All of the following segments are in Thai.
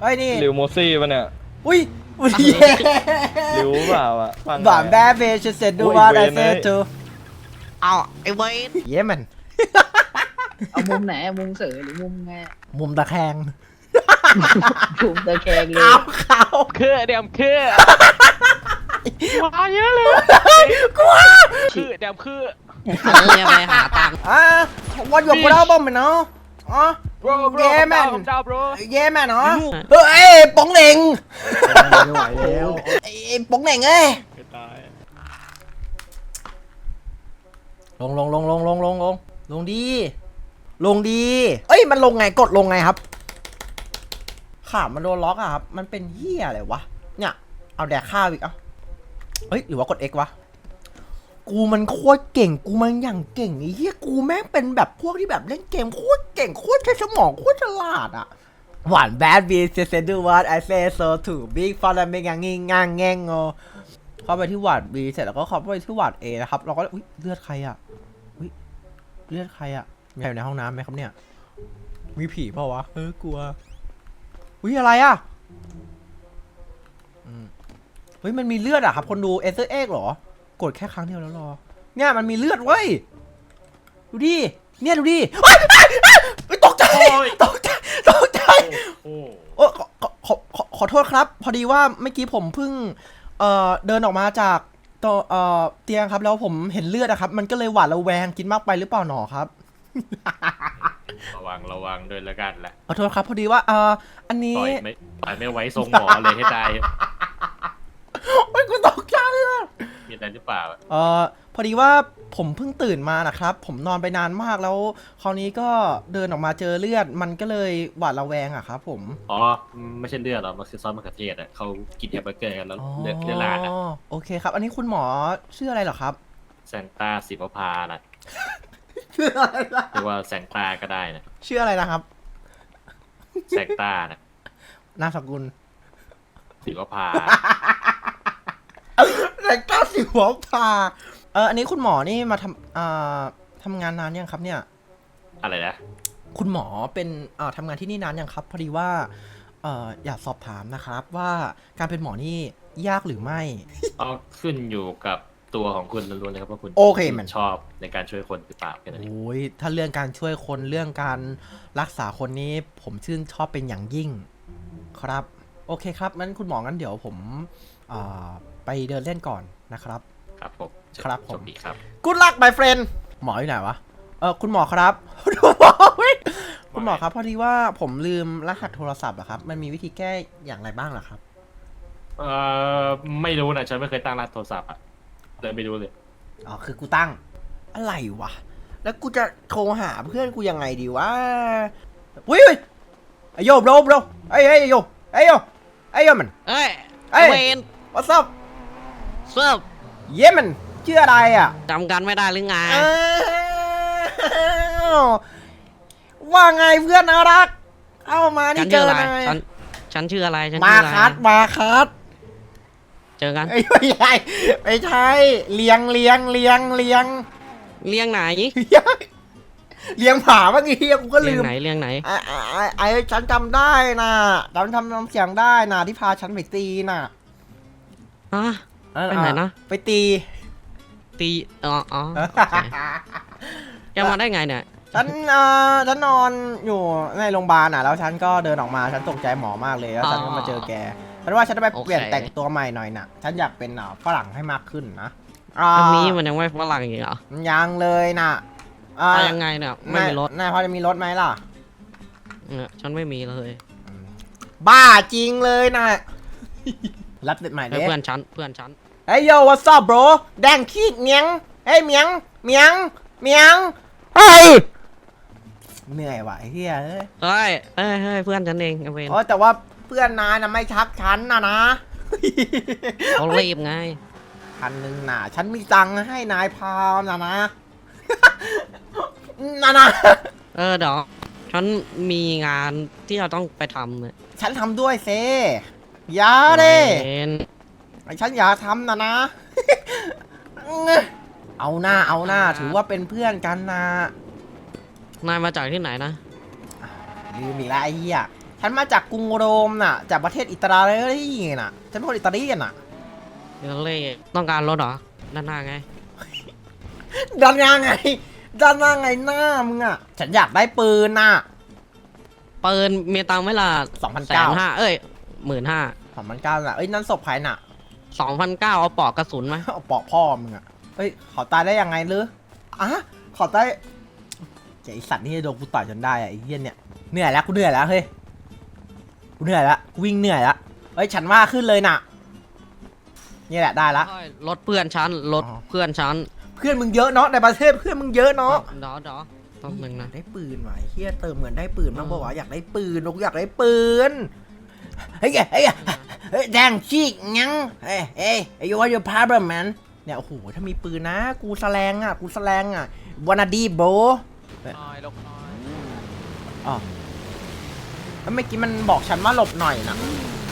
เฮ้ยนี่ลิวโมซี่ปะเนี่ยอุ้ยลิวเปล่าอ่ะฟังบานแบเบชเซดูว่าไดเซตูเอาไอ้เวนเย้มันเอามุมไหนมุมเสือหรือมุมไงมุมตะแคงมุมตะแคงเลยขาวคือเดียมคือมาเยอะเลยกลัวคือเดียมคืออันนี้ยังไงหาตังค์วันหยกกูเล่าบ้างไหมเนาะอ๋อเย้แมนผมดาวโบรเย้แม่เนาะเฮ้ยป๋องเหน่งไม่ไหวแล้วไอ้ป๋องเหน่งเอ้ยตายลงดีเอ้ยมันลงไงกดลงไงครับขามันโดนล็อกอะครับมันเป็นเหี้ยอะไรวะเนี่ยเอาแดกข้าวอีกเฮ้ยหรือว่ากด X วะกูมันโคตรเก่งกูมันอย่างเก่งไอ้เหี้ยกูแม่งเป็นแบบพวกที่แบบเล่นเกมโคตรเก่งโคตรใช้สมองโคตรฉลาดอะหวานแบดบีเซดูวัดไอเซโซถูบิ๊กฟอร์ดเมงงิงงางแงงงเข้าไปที่หวาด B เสร็จแล้วก็เข้าไปที่หวาด A นะครับเราก็อุ้ยเลือดใครอะอุ้ยเลือดใครอะมีใครอยู่ในห้องน้ำไหมครับเนี่ยมีผีเปล่าวะกลัวอุ้ยอะไรอะเฮ้ยมันมีเลือดอะครับคนดูเอเซอร์เอ็กเหรอกดแค่ครั้งเดียวแล้วรอเนี่ยมันมีเลือดเว้ยดูดิเนี่ยดูดิตกใจโอ้ขอโทษครับพอดีว่าเมื่อกี้ผมเพิ่งเดินออกมาจากตัวเตียงครับแล้วผมเห็นเลือดนะครับมันก็เลยหวาดระแวงกินมากไปหรือเปล่าหนอครับระวังด้วยแล้วกันแหละขอโทษครับพอดีว่าอันนี้ปล่อยไม่ไว้ทรงหมอเลยให้ตายโอ้ยกูตกใจเลยมีอะไรหรือเปล่าพอดีว่าผมเพิ่งตื่นมานะครับผมนอนไปนานมากแล้วคราวนี้ก็เดินออกมาเจอเลือดมันก็เลยหวาดระแวงอะครับผมอ๋อไม่ใช่เลือดหรอกมันคือซอสมะเขือเทศอ่ะเขากินแฮมเบอร์เกอร์กันแล้วเลือดลาดอ่ะโอเคครับอันนี้คุณหมอชื่ออะไรเหรอครับแซงต้าสิบพาน่ะชื่ออะไรนะเรียกว่าแซงต้าก็ได้นะชื่ออะไรนะครับแซงต้านะนามสกุลสิบพาแต่ก้าสิหัวพาอันนี้คุณหมอนี่มาทำงานนานยังครับเนี่ยอะไรนะคุณหมอเป็นทำงานที่นี่นานยังครับพอดีว่าอยากสอบถามนะครับว่าการเป็นหมอนี่ยากหรือไม่เอาขึ้นอยู่กับตัวของคุณล้วนๆเลยครับว่าคุณโอเคมันชอบในการช่วยคนหรือเปล่าแค่นั้นเองโอ้ยถ้าเรื่องการช่วยคนเรื่องการรักษาคนนี้ผมชื่นชอบเป็นอย่างยิ่งครับโอเคครับงั้นคุณหมองั้นเดี๋ยวผมไปเดินเล่นก่อนนะครับครับผมครับผมโชคดีครับ Good luck my friend หมออยู่ไหนวะคุณหมอครับ คุณหมอครับพอดีว่าผมลืมรหัสโทรศัพท์อะครับมันมีวิธีแก้อย่างไรบ้างเหรอครับไม่รู้นะฉันไม่เคยตั้งรหัสโทรศัพท์อ่ะเลยไม่รู้เลยอ๋อคือกูตั้งอะไรวะแล้วกูจะโทรหาเพื่อนกูยังไงดีวะอุ้ยไอโยบโรไอโยมันเอ้ยเอ้ยเวน what's up เซิร์ฟเย้มันชื่ออะไรอ่ะจำกันไม่ได้หรือไงอ้าวว่าไงเพื่อนน่ารักเข้ามาฉันี่นเจชื่อออะไรนายฉันชื่ออะไรฉันมาชื่ออะไรคัสเจอกันไม่ใช่เลี้ยงเลี้ยงไหนเลี้ยงผาเมื่อกี้กูก็เลี้ลืยงมไหนเลี้ยงไหนไอ้ฉันจำได้นะจำเสียงได้นะที่พาฉันไปตีน่ะฮะ ไปไหนนะไปตีตีอ๋อโอเคแกมาได้ไงเนี่ยฉันนอนอยู่ในโรงพยาบาลน่ะแล้วฉันก็เดินออกมาฉันตกใจหมอมากเลยแล้วฉันก็มาเจอแกฉันว่าฉันจะไปเปลี่ยนแต่งตัวใหม่หน่อยน่ะฉันอยากเป็นฝรั่งให้มากขึ้นนะอันนี้มันยังไม่ฝรั่งอีกเหรอยังเลยน่ะไปยังไงเนี่ยไม่มีรถนายพอจะมีรถไหมล่ะเนี่ยฉันไม่มีเลยบ้าจริงเลยน่ะ รับเด็ดใหม่ให้เด้เพื่อนฉันเฮ้ยโย what's up bro แดงขี้เมียงเฮ้ยเมียงเฮ้ยเหนื่อยว่ะไอ้เหี้ยเอ้ยเฮ้ยเพื่อนฉันเองไอ้เวนอ๋อแต่ว่าเพื่อนนายน่ะไม่ชักฉันนะเขารีบไง 1,000น่ะฉันมีตังค์ให้นายพาวนะ นะเดี๋ยวฉันมีงานที่เราต้องไปทำเนี่ยฉันทำด้วยเซอย่าเด้เวนฉันอย่าทำนะ เอาหน้าถือว่าเป็นเพื่อนกันนะนายมาจากที่ไหนนะลืมอีกแล้วไอ้เหี้ยฉันมาจากกรุงโรมน่ะ จากประเทศอิตาลีน่ะ ฉันเป็นคนอิตาลีน่ะเดี๋ยวเล่ต้องการรถเหรอด้านหน้าไงดันยังไงดันยังไงหน้ามึงอ่ะ ฉันอยากได้ปืนน่ะปืนมีตังค์ไหมล่ะ 2,900 150,000เอ้ย15,000 2,900น่ะเอ้ยนั่นศพใครน่ะ 2,900เอาปลอกกระสุนไหมเอาปอกพ่อมึงอ่ะเฮ้ยขอตายได้ยังไงหรืออ่ะขอตายไอสัตว์นี่โดนกูต่อยจนได้อ่ะไอ้เหี้ยเนี่ยเหนื่อยแล้วกูเหนื่อยแล้วเฮ้ยกูเหนื่อยแล้วกูวิ่งเหนื่อยแล้วเฮ้ยฉันว่าขึ้นเลยน่ะนี่แหละได้ละรถเพื่อนฉันรถอ๋อเพื่อนฉันเพื่อนมึงเยอะเนาะในประเทศเพื่อนมึงเยอะเนาะเดี๋ยวต้องหนึ่งนะได้ปืนว่ะไอ้เฮียเติมเหมือนได้ปืนบ้างปะวะอยากได้ปืนกูอยากได้ปืนเฮ้ยแดงชีกงั้งเฮ้ยyou want your problem man เนี่ยโอ้โหถ้ามีปืนนะกูแสลงอ่ะwannaดีโบน้อยลกน้อยอ๋อแล้วเมื่อกี้มันบอกฉันว่าหลบหน่อยนะ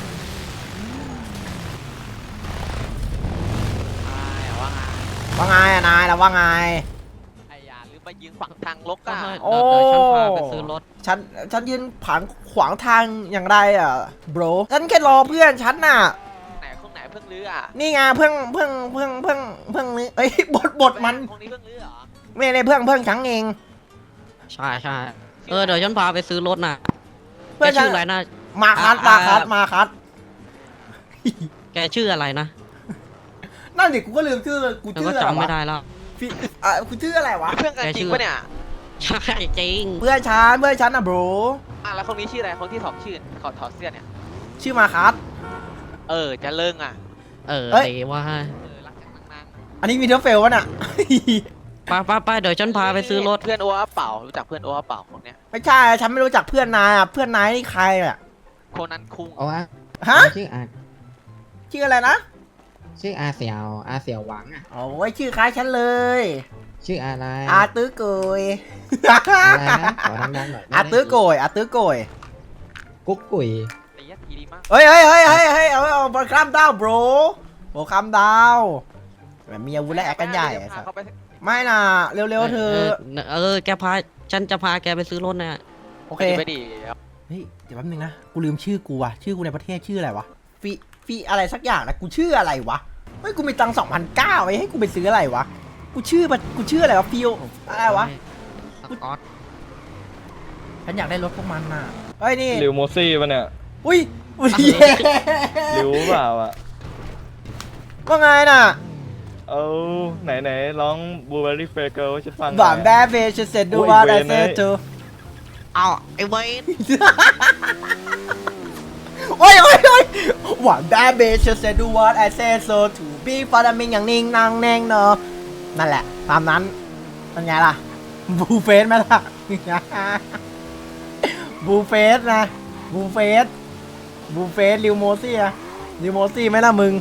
ว่าไงว่าไงอะนายแล้วว่าไงไอ้ยาหรือมายิงฝั่งทางลกก็อ่ะให้โอ้เดี๋ยวฉันพาไปซื้อรถฉันยืนขวางทางอย่างไรอ่ะ bro ฉันแค่รอเพื่อนฉันน่ะไหนข้างไหนเพิ่งลื้ออ่ะนี่ไงเพิ่งนี่เอ้ยบทมันตรงนี้เพิ่งลื้อเหรอไม่ได้เพิ่งฉันเองใช่เดี๋ยวฉันพาไปซื้อรถน่ะเพื่แกอนฉันชื่ออะไรนะมาคัดแกชื่ออะไรนะนั่นดิกูก็ลืมชื่อกูฉันชื่ก็ออะไรจำไม่วะได้แล้วพี่กูชื่ออะไรวะเพื่อนกันจริงปะเนี่ยใช่จริงเพื่อนฉันอ่ะ bro อ่ะแล้วคนนี้ชื่ออะไรคนที่สองชื่อเขาถอดเสื้อเนี่ยชื่อมาคัดจะเลิงอ่ะเออเอ้ยเดี๋ยวว่ารักจากนางอันนี้มีเทอร์เฟลวะน่ะไปเดี๋ยวฉันพาไปซื้อรถเพื่อนโอ้เป่ารู้จักเพื่อนโอ้เป่าคนเนี้ยไม่ใช่ฉันไม่รู้จักเพื่อนนายอ่ะเพื่อนนายนี่ใครอ่ะคนนั้นคุงโอ้อะฮะชื่ออาชื่ออะไรนะชื่ออาเสี่ยวหวังอ่ะโอ้ยชื่อคล้ายฉันเลยชื่ออะไรอาตื้อโกยอะไรนะขอดังๆหน่อยอาตื้อโกยกุ๊กกุ๋ยตียัดทีดีมากเฮ้ยเอาบอลข้ามดาวโบรโบข้ามดาวแบบมีอาวุธและแอคกันใหญ่ไอ้สัสเขาไปไม่น่ะเร็วๆเธอแกพาฉันจะพาแกไปซื้อรถน่ะโอเคไปดิเฮ้ยเดี๋ยวแป๊บนึงนะกูลืมชื่อกูว่ะชื่อกูในประเทศชื่ออะไรวะฟีอะไรสักอย่างนะกูชื่ออะไรวะเฮ้ยกูมีตังค์2,900ไว้ให้กูไปซื้ออะไรวะกูชื่ออะไรวะฟิวอะไรวะสกอตฉันอยากได้รถพวกมันน่ะเฮ้ยนี่ลิวโมซี่ปะเนี่ยอุ้ยลิวเปล่าอ่ะว่าไงน่ะเอาไหนร้องบูเบอรี่เฟเกิลฉันฟังบอมแบเบชเซดูว่าไดเซตูเอาไอ้เวนโอ้ยหวานแบเบชเซดูว่าไดเซโซถูบีฟาดามิงอย่างนิ่งนางแนงเนอะนั่นแหละตามนั้นเป็นไงล่ะบูเฟสไหมล่ะ บูเฟสนะบูเฟสลิวโมซี่อะลิวโมซี่ไหมล่ะมึง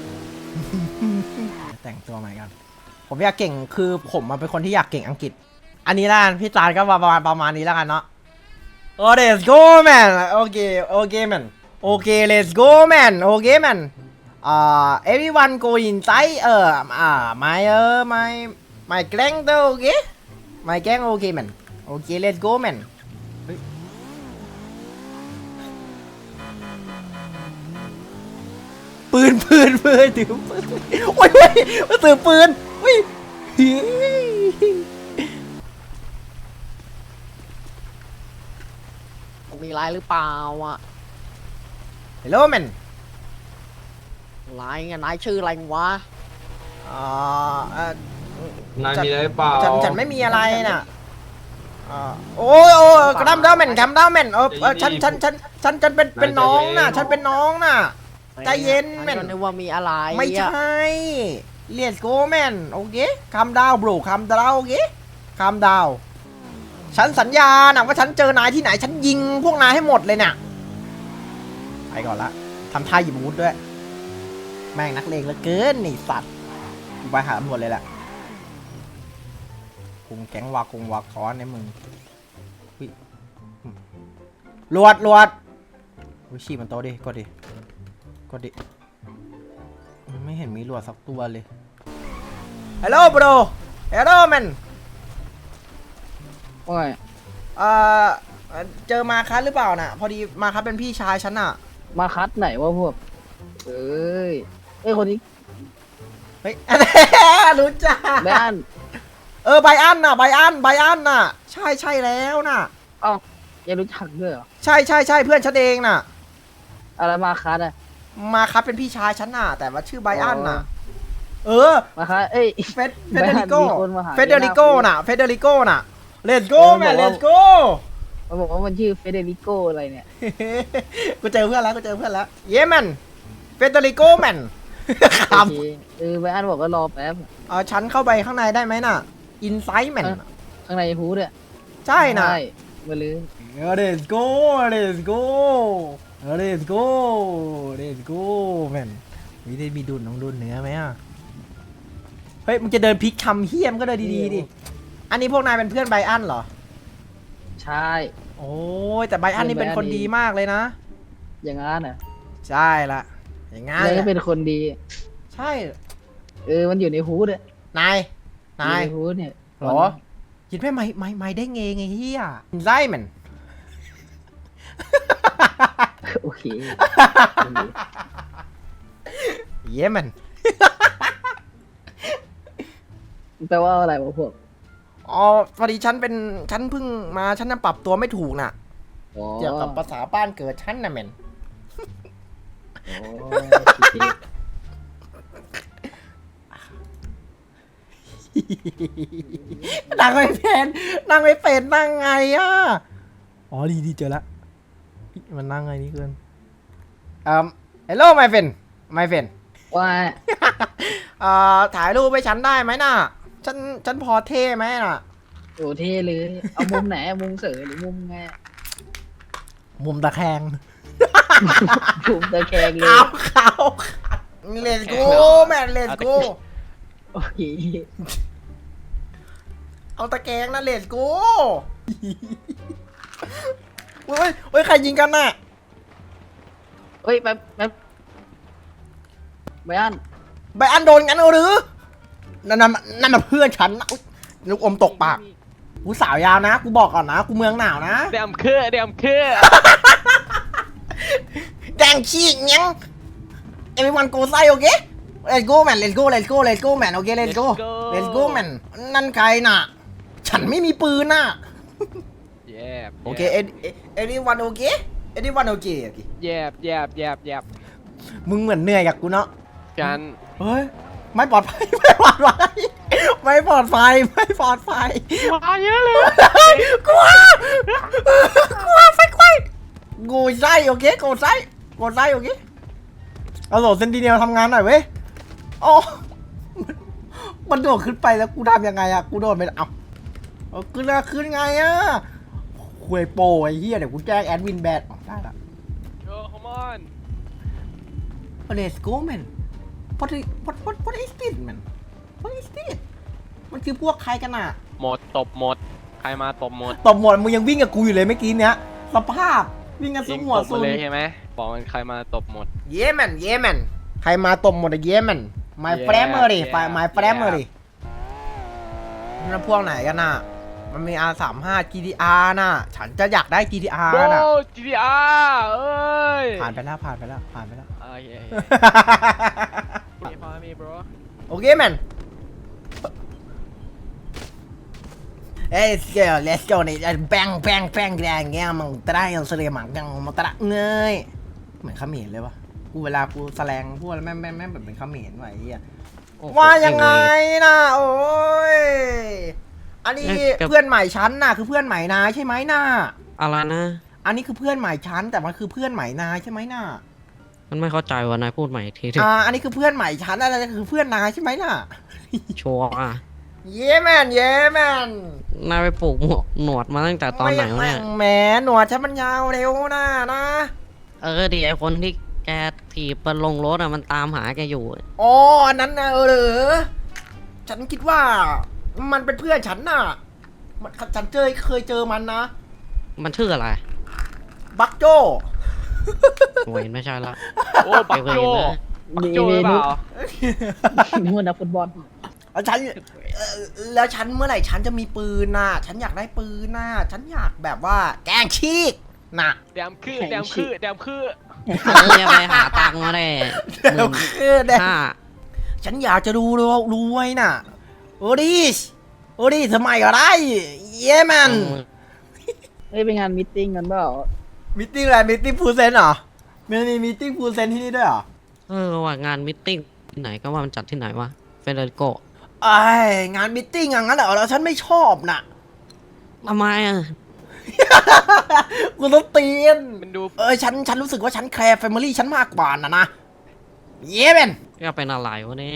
แต่งตัวใหม่กันผมอยากเก่งคือผมมาเป็นคนที่อยากเก่งอังกฤษ อันนี้ละกันพี่จานก็ประมาณนี้แล้วกันเนาะโอ้ let's go man โอเค man โอเค let's go man โอเค man everyone go inside my gang ตัวโอเค my gang โอเค man โอเค let's go man ปืนถือปืนโอ้ยถือปืนอุ้ยมีไรหรือเปล่าอ่ะ Hello man ไรไงนายชื่ออะไรวะนายมีอะไรเปล่าฉันไม่มีอะไรน่ะโอ้กระดำดาวแมนฉันเป็นน้องน่ะฉันเป็นน้องน่ะใจเย็นแมนก็นึกว่ามีอะไรไม่ใช่ Let's go man โอเคคำดาวบรูคำดาวโอเคคำดาวฉันสัญญานะว่าฉันเจอนายที่ไหนฉันยิงพวกนายให้หมดเลยเนี่ยไปก่อนละทำท่าหยิบอาวุธด้วยแม่งนักเลงเหลือเกินนี่สัตว์กูไปหาตำรวจเลยแหละคุมแก๊งวาค้อนในมึงลวดวิชีมันโตดิกดดิไม่เห็นมีลวดสักตัวเลยฮัลโหลบรฮัลโหลแมนโอ้ยเจอมาคัสหรือเปล่าน่ะ พอดีมาคัสเป็นพี่ชายฉันน่ะมาคัดไหนวะพวกเอ้ยคนนี้เฮ้ย รู้จักแบนไบอันน่ะไบอันน่ะ ใช่แล้วน่ะเอ้ายังรู้จักด้วยเหรอใช่เพื่อนฉันเองน่ะอะไรมาคัดอะมาคัสเป็นพี่ชายฉันน่ะ แต่ว่าชื่อไบอันน่ะมาคัดเอ้ยเฟเดริโกมีคนมาหาเฟเดริโกน่ะ let's go แมน let's go มันบอกว่ามันชื่อเฟเดริโกอะไรเนี่ยกูเจอเพื่อนแล้วเย้แมนเฟเดริโกแมนคโอเคแบนบอกว่ารอแป๊บำฉันเข้าไปข้างในได้ไหมน่ะ inside แมนข้างในฮูดเนี่ยใช่น่ะมาเลย let's go let's go แมนมีดุนน้องดุนเนื้อไหมอ่ะ เฮ้ยมึงจะเดินพลิกคำเฮี้ยมก็เดินดีๆดิ อันนี้พวกนายเป็นเพื่อนไบอันเหรอใช่โอ้ยแต่ไบอันนี่เป็นคนดีมากเลยนะอย่างงั้นน่ะใช่ละอย่างงั้นเลยก็เป็นคนดีใช่มันอยู่ในฮูดเนี่ยนายอยู่ในฮูดเนี่ยเหรอคิดไหมไม่ได้ไงเฮียไส้มันโอเคเย้มันแปลว่าอะไรวะพวกอ๋อพอดีฉันเพิ่งมาฉันน่ะปรับตัวไม่ถูกน่ะอ๋อเกี่ยวกับภาษาบ้านเกิดฉันน่ะแมนอ๋อโอเคนั่งไม่เป็นนั่งไงอ่ะ อ๋อดีเจอละมันนั่งไงนี่เกินhello my friend ว่าถ่ายรูปให้ฉันได้ไหมน่ะ ฉันพอเท่ไหมน่ะโอ้เท่เลย เอามุมไหนมุมเสยหรือมุมไงมุมตะแคงมุมตะแคงเลยเขาlet's go man let's go โอเคเอาตะแกรงนะlet's go เฮ้ยใครยิงกันน่ะเฮ้ยแป๊บไบอันไบอันโดนงั้นเอาหรือนั่นน่ะเพื่อนฉันนะอุ๊ยลูกอมตกปากกูสาวยาวนะ กูบอกก่อนนะ กูเมืองหนาวนะเดมเครือแดงขี้ยัง everyone go ไซโอเค let's go man let's go man โอเค let's go man นั่นใครน่ะ ฉันไม่มีปืนน่ะ โอเค anyone โอเค anyone โอเคแยบมึงเหมือนเหนื่อยกับกูเนาะกันเฮ้ย ไม่ปลอดภัย ไม่ปลอดภัยมาเยอะเลยกลัวไฟไฟกูไส้โอเคกูไส้โอเคเอาโหลดเซนติเนลทำงานหน่อยเว้ยอ๋อมันโดดขึ้นไปแล้วกูทำยังไงอะกูโดดไปเอาขึ้นไงอะคุยโปรไอ้เหี้ยเดี๋ยวกูแจ้งแอดมินแบดได้ละ come on Let's go man what is this man what is this มันคือพวกใครกันน่ะหมดตบหมด ใครมาตบหมดตบหมดมึงยังวิ่งกับกูอยู่เลยเมื่อกี้เนี้ยสภาพวิ่งกันสู้หัวตบซุนเลยใช่ไหมบอกมันใครมาตบหมดเย้แมนใครมาตบหมดอะเย้แมน my family my family นั่นพวกไหนกันน่ะมันมี R35 GTR น่ะฉันจะอยากได้ GTR น่ะ GTR เอ้ยผ่านไปแล้วโอเคพอมี bro โอเคแมนlet's go นี่แบงแดงเงี้ยมึงตระยังเสลียมังยังมาตระเงยเหมือนเขมรเลยวะกูเวลากูแสลงพูดแล้วแม่งแบบเป็นเขมรไว้ไอ้เหี้ยว่ายังไงนะโอ้ยอันนี้เพื่อนใหม่ชั้นน่ะคือเพื่อนใหม่นายใช่ไหมน่ะอะไรนะอันนี้คือเพื่อนใหม่ชั้นแต่มันคือเพื่อนใหม่นายใช่ไหมน่ะมันไม่เข้าใจว่านายพูดใหม่อีกทีอันนี้คือเพื่อนใหม่ชั้นอะไรคือเพื่อนนายใช่ไหมน่ะชัวร์อ่ะเย้แมนนายไปปลูกหนวดมาตั้งแต่ตอนไหนวะเนี่ยแหมหนวดฉันมันยาวเร็วนะนะดิไอคนที่แกถีบไปลงรถอ่ะมันตามหาแกอยู่อ๋ออันนั้นนะเหรอฉันคิดว่ามันเป็นเพื่อนฉันน่ะฉันเคยเจอมันนะมันชื่ออะไรบักโจโวยไม่ใช่ละโอ้บักโจบักโจหรือเปล่านึกว่านักฟุตบอลฉันแล้วฉันเมื่อไหร่ฉันจะมีปืนน่ะ ฉันอยากได้ปืนน่ะ ฉันอยากแบบว่าแกล้งชีกน่ะแดมคือแดมคือแดมคือจะไปหาตังค์มาได้เดี๋ยวคือเด็กห้าฉันอยากจะดูรวยน่ะ โอ้ดิทำไมก็ได้ เย้แมนเฮ้ยไปงานมีตติ้งกันเปล่ามิทติ้งอะไรมิทติ้งฟูลเซนเหรอมันมีมิทติ้งฟูลเซนที่นี่ด้วยเหรอว่างานมิทติ้งที่ไหนก็ว่ามันจัดที่ไหนวะเฟเดริโกไอ้งานมิทติ้งอย่างนั้นเหรอแล้วฉันไม่ชอบน่ะทำไมอ่ะกูต้องเตียนมันดูฉันรู้สึกว่าฉันแคร์แฟมิลี่ฉันมากกว่านะเย้แมนก็เป็นอะไรวะเนี่ย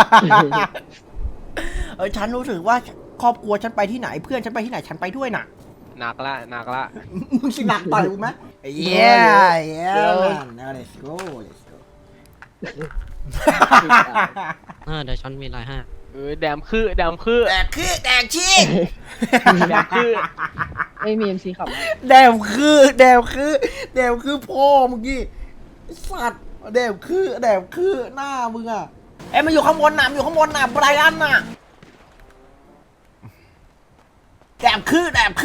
ฉันรู้สึกว่าครอบครัวฉันไปที่ไหนเพื่อนฉันไปที่ไหนฉันไปด้วยน่ะหนักละหนักละมึงสิหนักต่อยกูไหม Yeah man let's go เดี๋ยวฉันมีอะไรให้แดมคือแดมคือแดกชีกแดมคือไม่มี MC ขับมาแดมคือพ่อเมื่อกี้สัตว์แดมคือหน้ามึงอ่ะมันอยู่ข้างบนน่ะไบรอันน่ะแดมคือ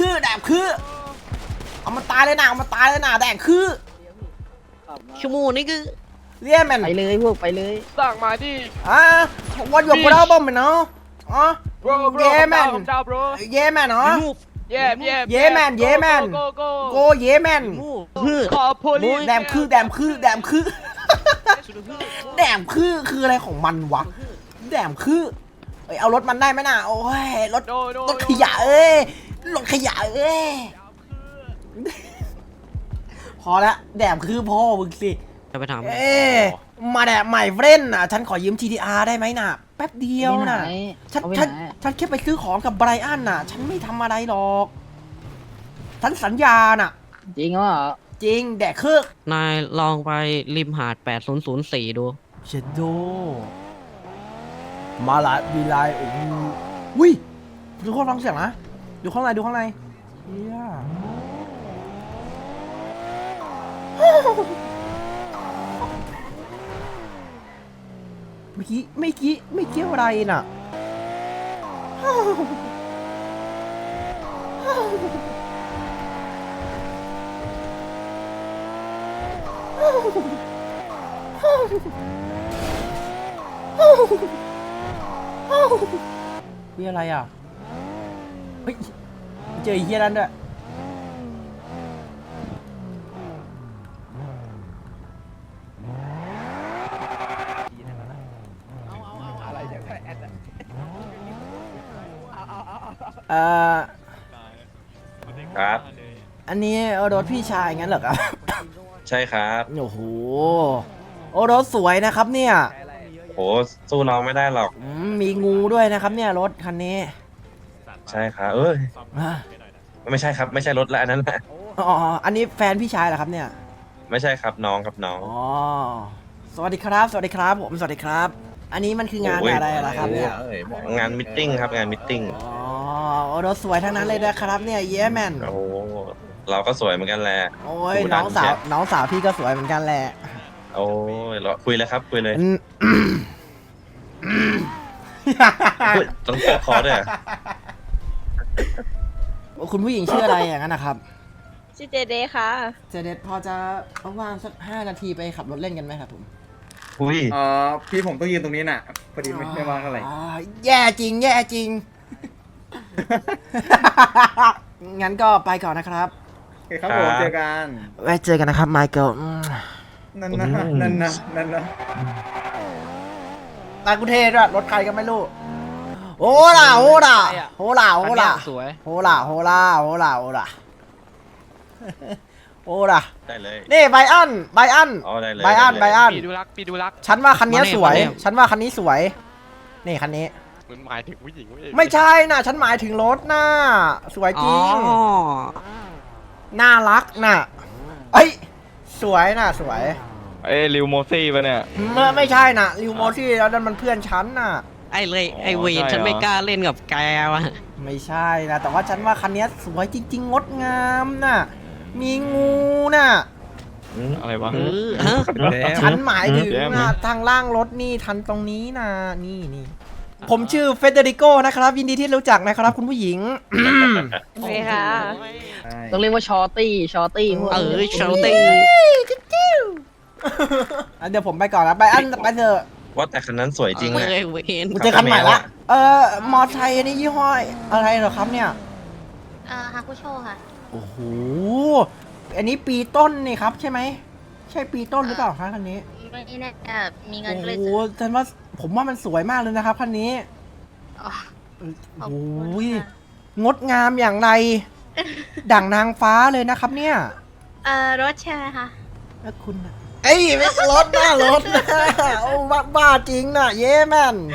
เอามาตายเลยนะแดมคือขับมาชั่วโมงนี้คือเรียกแมนไปเลยพวกไปเลยสั่งมาดิ what your problem man เนาะ bro Yeah, man. come down bro yeah man เนาะ yeah Yeah, man. go go yeah man ขอ police แดมคือคืออะไรของมันวะแดมคือเอารถมันได้ไหมน่ะโอ้ยรถ no ขยะรถขยะพอละแดมคือพ่อมึงสิจะไปถามมาแดมใหม่เฟรนน่ะฉันขอยืม TDR ได้ไหมน่ะแป๊บเดียวน่ะ ฉันเอาไปฉันไหนฉันแค่ไปซื้อของกับไบรอันน่ะ ฉันไม่ทำอะไรหรอกฉันสัญญาน่ะจริงเหรอจริงแดกคือนายลองไปริมหาด 8004 ดูเชดโดมาลาบีไลโอ้โหอุ้ยดูข้างฟังเสียงนะดูข้างในเฮียเมื่อกี้อะไรน่ะมีอะไรอ่ะเฮ้ยเจอไอ้เฮียนั่นด้วยครับอันนี้รถพี่ชายงั้นเหรอครับใช่ครับโอ้โหรถสวยนะครับเนี่ยโหสู้น้องไม่ได้หรอกมีงูด้วยนะครับเนี่ยรถคันนี้ใช่ครับเอ้ยอ่าไม่ใช่ครับไม่ใช่รถละอันนั้นแหละอ๋ออันนี้แฟนพี่ชายเหรอครับเนี่ยไม่ใช่ครับน้องครับน้องอ๋อสวัสดีครับผมสวัสดีครับ อันนี้มันคืองานโอ้ยอะไรเหรอครับเนี่ยงานมิทติ้งครับงานมิทติ้งอ๋อรถสวยทั้งนั้นเลยนะครับเนี่ยเย้แมนโอ้โหเราก็สวยเหมือนกันแหละโอ้ยดูน้ดัองสาวเชียน้องสาวพี่ก็สวยเหมือนกันแหละโอ้ยเราคุยเลยครับคุยเลย อุ๊ยต้องเปิดคอด้วยเหรอคุณผู้หญิงชื่ออะไรอย่างนั้นนะครับชื่อเจเดค่ะเจเดตพอจะว่างๆสัก5 นาทีไปขับรถเล่นกันไหมครับผมอุ้ยพี่ผมต้องยืนตรงนี้น่ะ พอดีไม่ว่างเท่าไหร่แย่จริง งั้นก็ไปก่อนนะครับโอเคครับผมเจอกันไว้เจอกันนะครับไมเคิลนั่นนะนายกุเทศด้วยรถใครก็ไม่รู้โหล่าสวยโหล่าได้เลยนี่ไบอันอ๋อได้เลยไบอันได้เลยปีดูรักฉันว่าคันนี้สวยมาเนี่ยฉันว่าคันนี้สวย นี่คันนี้มันหมายถึงผู้หญิงไม่ใช่นะฉันหมายถึงรถน่ะสวยจอ๋อริง น่ารักน่ะเอ้ยสวยน่ะสวยริวโมซี่ปะเนี่ยไม่ใช่น่ะริวโมชี่แล้วนั่นมันเพื่อนฉันน่ะไอเวใช่นเหรอฉันไม่กล้าเล่นกับแกว่ะไม่ใช่นะแต่ว่าฉันว่าคันนี้สวยจริงๆงดงามน่ะมีงูน่ะอะไรวะฮะฉันหมายถึงแย้มนะทางล่างรถนี่ทันตรงนี้นะนี่ผมชื่อเฟเดริโกนะครับ ยินดีที่รู้จักนะครับคุณผู้หญิงโอเคค่ะใช่ต้องเรียกว่าชอตตี้พวกเชลตี้เดี๋ยวผมไปก่อนนะไปอันไปเถอะว่าแต่คันนั้นสวยจริงเว้เนี่ยยเวนกูเจอคันใหม่ละมอไซค์อันนี้ยี่ห้ออะไรเหรอครับเนี่ยฮาคุโชค่ะโอ้โห อันนี้ปีต้นนี่ครับใช่ไหม ใช่ปีต้นหรือเปล่าครับคันนี้ไม่แน่มีเงินโอ้ก็เลยโหซื้อฉันว่าผมว่ามันสวยมากเลยนะครับคันนี้อ๋อ ขอบโอ้คุณโหค่ะงดงามอย่างไร ดั่งนางฟ้าเลยนะครับเนี่ยรถใช่ไหมคะแล้วคุณน่ะเอ้ยไม่รถนะรถนะโอ้บ้าจริงนะเย้แมน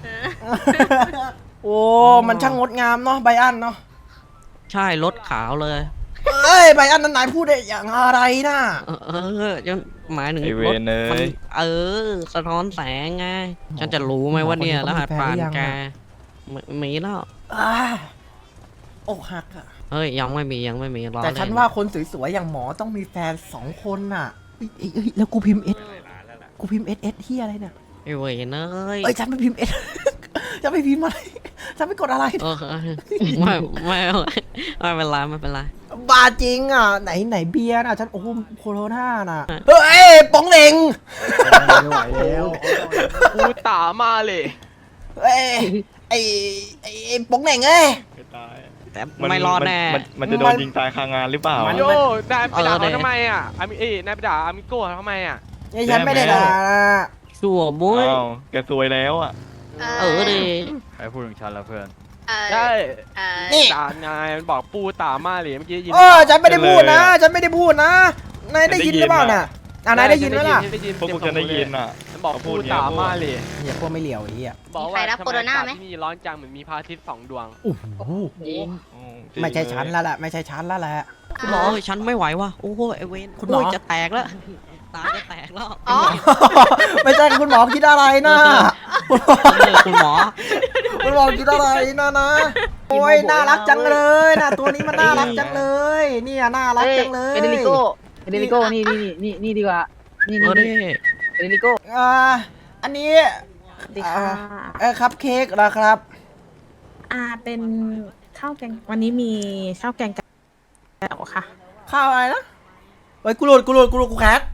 โอ้ มันช่างงดงามเนาะไบอันเนาะใช่รถขาวเลยเอ้ยไบอันนั้นนายพูดได้อย่างอะไรนะจะหมายถึงไอเวรถนเนมันยสะท้อนแสงไง ฉันจะรู้ไหมว่าเนี่ยรหัสผ่านแกมีแล้วอ่าอกหักอะเฮ้ยยังไม่มีรอแต่ฉันเล่ว่าคนสวยๆอย่างหมอต้องมีแฟน2 คนน่ะเอ้ยแล้วกูพิมพ์เอสที่อะไรเนี่ยไอเวนเนยเอ้ยฉันไม่พิมพ์เอส ฉันไม่พิมพ์อะไร ฉันไม่กดอะไรไม่เป็นไรไม่เป็นไรบ้าจริงอ่ะไหนเบียร์น่ะฉันโอ้โหโคโรนาน่ะเฮ้ยป๋องเหน่งไม่ไหวแล้วกูตามาเลยเอ้ยไอ้ป๋องเหน่งเอ้ยแต่ไม่รอดแน่มันจะโดนยิงตายคางานหรือเปล่ามันโย่นายไปด่าเออเขาทำไมอ่ะนายไปด่าอามิโก้เขาทำไมอ่ะนี่ฉันไม่ได้ด่าชัวบุ้ยอ้าวแกซวยแล้วอ่ะดิใครพูดถึงฉันแล้วเพื่อนใช่นี่ด่านายมันบอกปูตามาเลยเมื่อกี้ยินฉันไม่ได้พูดนะ ฉันไม่ได้พูดนะ นายได้ยินหรือเปล่าน่ะนายได้ยินไหมล่ะได้ยินพวกกูจะได้ยินอ่ะมันบอกเขาพูปูดอย่างเงี้ยตามาเลยอย่าพวกไม่เหลียวไอ้เหี้ยบอกมีใครว่ารับทำโคโรนาไหมอากศที่นี่ร้อนจังเหมือนมีพระอาทิตย์2 ดวงโอ้โหจริงไม่ใช่ฉันแล้วแหละไม่ใช่ฉันแล้วแหละคุณหมอฉันไม่ไหวว่ะโอ้โหไอเวนคุณหมอจะแตกแล้วตาจะแตกแล้วอ๋อไม่ใช่คุณหมอคิดอะไรนะคุณหมอคุณหมอคิดอะไรนะโอ้ยน่ารักจังเลยนะตัวนี้มันน่ารักจังเลย เนี่ยน่ารักจังเลยเฟเดริโก้นี่ดีกว่านี่เออดิเฟเดริโก้อันนี้ดีค่ะครับเค้กนะครับเป็นข้าวแกง วันนี้มีข้าวแกงแก้วค่ะข้าวอะไรนะเฮ้ยกูโหลดกูแคส